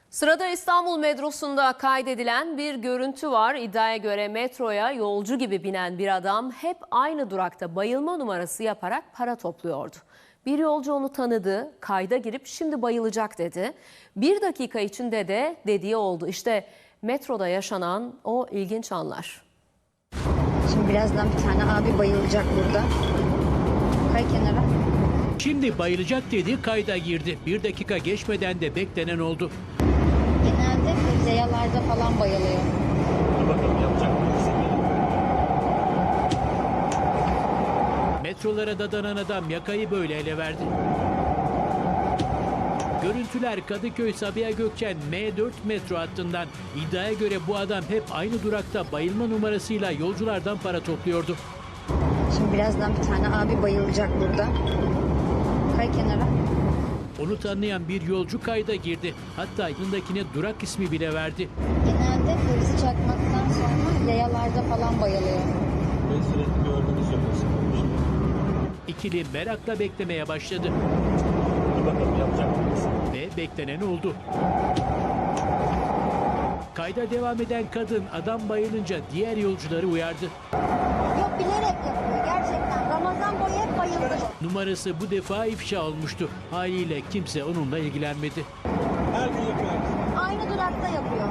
Sırada İstanbul metrosunda kaydedilen bir görüntü var. İddiaya göre metroya yolcu gibi binen bir adam hep aynı durakta bayılma numarası yaparak para topluyordu. Bir yolcu onu tanıdı, kayda girip şimdi bayılacak dedi. Bir dakika içinde de dediği oldu. İşte metroda yaşanan o ilginç anlar. Şimdi birazdan bir tane abi bayılacak burada. Kay kenara. Şimdi bayılacak dedi, kayda girdi. Bir dakika geçmeden de beklenen oldu. Genelde bu yayalarda falan bayılıyor. Bakalım yapacak mıyız? Metrolara dadanan adam yakayı böyle ele verdi. Görüntüler Kadıköy Sabiha Gökçen M4 metro hattından. İddiaya göre bu adam hep aynı durakta bayılma numarasıyla yolculardan para topluyordu. Şimdi birazdan bir tane abi bayılacak burada. Kay kenara. Onu tanıyan bir yolcu kayda girdi. Hatta yanındakine durak ismi bile verdi. Genelde hırs çakmaktan sonra yayalarda falan bayılıyor. Ben sürekli gördüğünü söylüyorsun. İkili merakla beklemeye başladı. Bakalım yapacak mıyız? Ve beklenen oldu. Kayda devam eden kadın adam bayılınca diğer yolcuları uyardı. Yok, bilerek yapıyor gerçekten. Ramazan boyu hep bayıldı. Numarası bu defa ifşa olmuştu. Haliyle kimse onunla ilgilenmedi. Her gün yapıyoruz. Aynı durakta yapıyor.